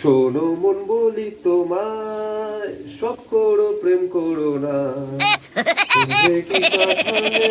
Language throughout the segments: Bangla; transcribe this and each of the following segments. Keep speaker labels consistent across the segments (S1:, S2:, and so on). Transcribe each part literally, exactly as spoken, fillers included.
S1: শোনো মন বলি তোমায়, সব করো প্রেম করো না, শুনবে কি কানে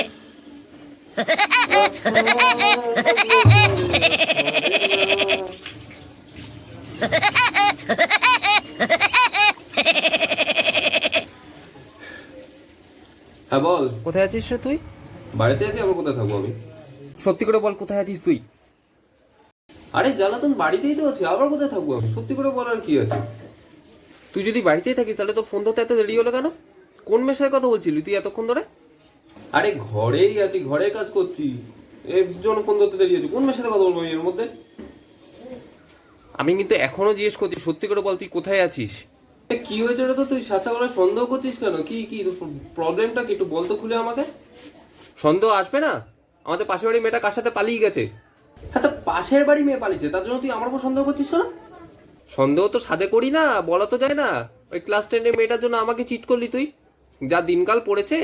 S1: হ্যাঁ বল।
S2: কোথায় আছিস রে তুই?
S1: বাড়িতে আছি, আবার কোথায় থাকবো আমি?
S2: সত্যি করে বল, কোথায় আছিস তুই?
S1: আরে জ্বালাতন, বাড়িতেই তো আছি, আবার কোথায় থাকবো আমি? সত্যি করে বলার কি আছে?
S2: তুই যদি বাড়িতেই থাকিস তাহলে তো ফোন ধরতে এত দেরি হলো কেন? কোন মেয়ের সাথে কথা বলছিলি তুই এতক্ষণ ধরে?
S1: আরে ঘরেই আছি, ঘরে কাজ করছি, এর জন্য ফোন ধরতে দেরি হয়েছে। কোন মেয়ের সাথে কথা বলবো আমি এর মধ্যে?
S2: আমি কিন্তু এখনো জিজ্ঞেস করছি, সত্যি করে বল তুই কোথায় আছিস?
S1: এ, কি হয়েছে রে? তো তুই সাচা করে সন্দেহ করছিস কেন? কি কি প্রবলেমটা কি একটু বলতো খুলে আমাকে।
S2: সন্দেহ আসবে না? আমাদের পাশের বাড়ির মেয়েটা কার সাথে পালিয়ে গেছে।
S1: হ্যাঁ, তো পাশের বাড়ি মেয়ে পালিয়েছে, তার জন্য তুই আমার উপর সন্দেহ করছিস কেন?
S2: সন্দেহ তো সাদে করি না, বলা তো যায় না। ওই ক্লাস টেনের মেয়েটার জন্য আমাকে চিট করলি তুই, যা দিনকাল পড়েছে।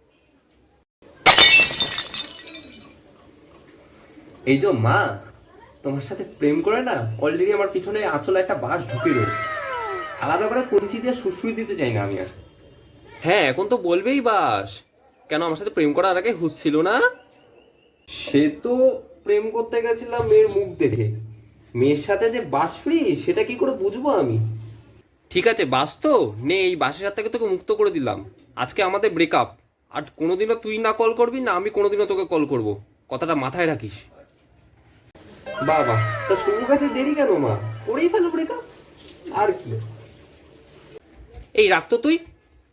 S1: এই যে মা, তোমার সাথে প্রেম করে না অলরেডি আমার পিছনে আঁচলে একটা বাঁশ ঢুকে রয়েছে। আলাদা করে কঞ্চি দিয়ে সুশ্রুই দিতে চাই না আমি আর।
S2: হ্যাঁ, এখন তো বলবেই বাস। কেন, আমার সাথে প্রেম করার আগে হুঁশ ছিল না?
S1: সে তো প্রেম করতে গেছিলাম মেয়ের মুখ দেখে, মেয়ের সাথে যে বাস ফ্রি সেটা কি করে বুঝবো আমি?
S2: ঠিক আছে, বাস তো নে, এই বাসের হাত থেকে তোকে মুক্ত করে দিলাম। আজকে আমাদের ব্রেকআপ। আর কোনোদিনও তুই না কল করবি না আমি কোনোদিনও তোকে কল করব, কথাটা মাথায় রাখিস।
S1: বাবা, তা শুরু কাছে দেরি কেন মা? করেই ফেলো ব্রেকআপ, আর কি।
S2: এই রাখ তো তুই।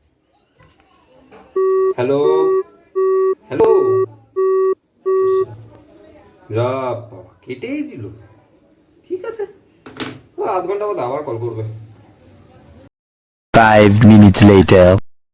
S1: হ্যালো হ্যালো, যা বাবা, কেটেই দিল। ঠিক আছে, ও আধ ঘন্টা বাদে আবার কল করবে।
S3: Five minutes later.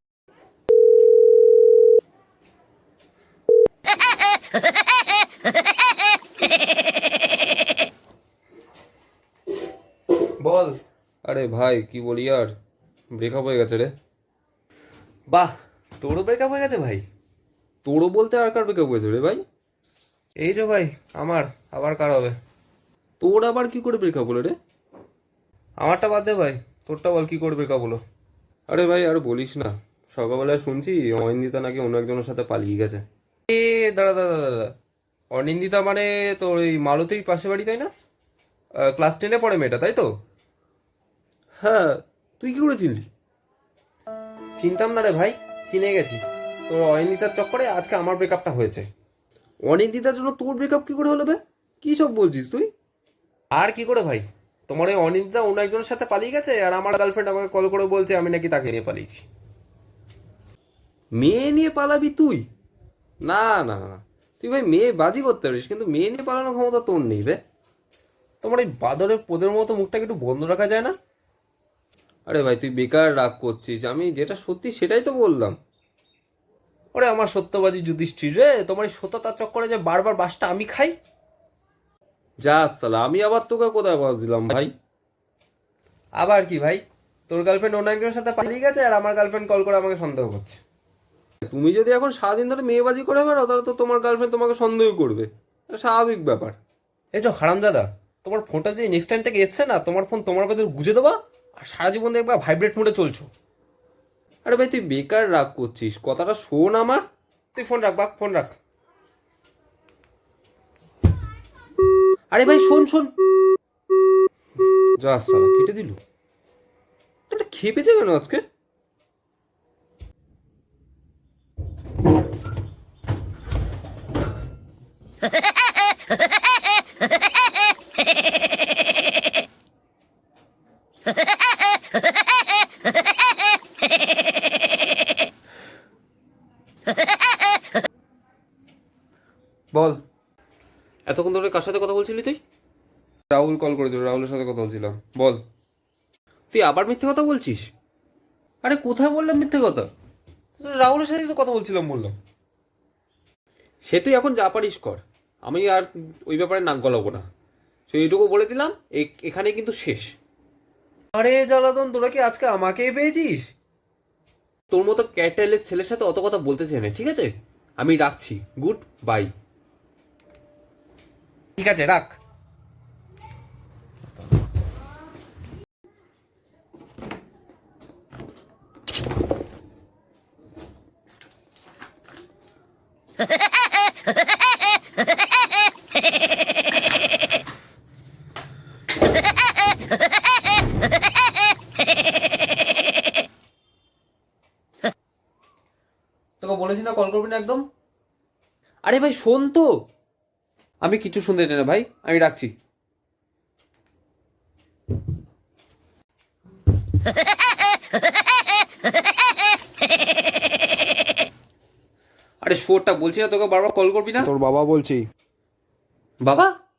S1: বল।
S2: আরে ভাই কি বলি আর, ব্রেকআপ হয়ে গেছে রে।
S1: বাহ, তোরও ব্রেকআপ হয়ে গেছে ভাই?
S2: তোরও বলতে আর কার ব্রেকআপ হয়েছে রে ভাই?
S1: এই যে ভাই আমার, আবার কার হবে?
S2: তোর আবার কি করে ব্রেকআপ হলো রে?
S1: আমারটা বাদ দে ভাই, তোরটা বল, কি করে ব্রেকআপ হলো?
S2: আরে ভাই আর বলিস না, সকালবেলায় শুনছি অনিন্দিতা নাকি অন্য একজনের সাথে পালিয়ে গেছে।
S1: এ, দাঁড়া দাঁড়া দাঁড়া, অনিন্দিতা মানে তোর ওই মালতীর পাশে বাড়ি তাই না? ক্লাস টেনে পড়ে মেয়েটা, তাই তো?
S2: হ্যাঁ, তুই কি করে চিনলি?
S1: চিনতাম না রে ভাই, চিনে গেছি। তোর অনিন্দিতার চক্করে আজকে আমার ব্রেকআপটা হয়েছে।
S2: অনিন্দিতার জন্য তোর ব্রেকআপ কি করে হলো বে? কি সব বলছিস তুই?
S1: আর কি করে ভাই, তোমার ওই অনিন্দিতা অন্য একজনের সাথে পালিয়ে গেছে, আর আমার গার্লফ্রেন্ড আমাকে কল করে বলছে আমি নাকি তাকে নিয়ে পালিয়েছি।
S2: মেয়ে নিয়ে পালাবি তুই? না না না, তুই ভাই মেয়ে বাজি করতে পারিস, কিন্তু মেয়ে নিয়ে পালানোর ক্ষমতা তোর নেই বে।
S1: তোমার এই বাদরের পোদের মতো মুখটাকে একটু বন্ধ রাখা যায় না?
S2: আরে ভাই তুই বেকার রাগ করছিস, আমি যেটা সত্যি সেটাই তো বললাম।
S1: ওরে আমার সত্যবাদী যুধিষ্ঠির রে, তোমার এই সত্যতার চক্করে যে বারবার বাসটা আমি খাই।
S2: যা সালা, আমি আবার তোকে কোথায় বাস দিলাম ভাই?
S1: আবার কি ভাই, তোর গার্লফ্রেন্ড অন্য একজনের সাথে পালিয়ে গেছে আর আমার গার্লফ্রেন্ড কল করে আমাকে সন্দেহ করছে।
S2: তুমি যদি এখন সারাদিন ধরে মেয়েবাজি করে বেড়াও তাহলে তো তোমার গার্লফ্রেন্ড তোমাকে সন্দেহ করবে, এটা স্বাভাবিক ব্যাপার।
S1: এই যে হারামজাদা, তোমার ফোনটা যদি নেক্সট টাইম থেকে এসছে না, তোমার ফোন তোমার ভেতর গুজে দেবা, আর সারা জীবন দেখবা ভাইব্রেট মোডে চলছো।
S2: আরে ভাই তুই বেকার রাগ করছিস, কথাটা শোন আমার।
S1: তুই ফোন রাখ বাক, ফোন রাখ।
S2: আরে ভাই শোন শোন, যা সালা কেটে দিল। এটা খেপেছে কেন আজকে?
S1: বল।
S2: এতক্ষণ ধরে কার সাথে কথা বলছিলি তুই?
S1: রাহুল কল করেছিল, রাহুলের সাথে কথা বলছিলাম। বল।
S2: তুই আবার মিথ্যে কথা বলছিস?
S1: আরে কোথায় বললাম মিথ্যে কথা? রাহুলের সাথেই তো কথা বলছিলাম বললাম।
S2: সে তুই এখন যা পারিস কর, আমি আর ওই ব্যাপারে নাক গলাবো না। সে এইটুকু বলে দিলাম, এখানে কিন্তু শেষ।
S1: আরে জ্বালাতন, তোরা কি আজকে আমাকেই পেয়েছিস?
S2: তোর মতো ক্যারেক্টারলেস ছেলের সাথে অত কথা বলতে চাই না, ঠিক আছে? আমি রাখছি, গুড বাই।
S1: ঠিক আছে রাখ।
S2: তোকে বলেছি না কল করবি না একদম। আরে ভাই শোন তো। আমি কিছু শুনতে চাই না ভাই, আমি রাখছি। আরে শোরটা বলছি না তোকে বারবার কল করবি না।
S3: তোর বাবা বলছি।
S2: বাবা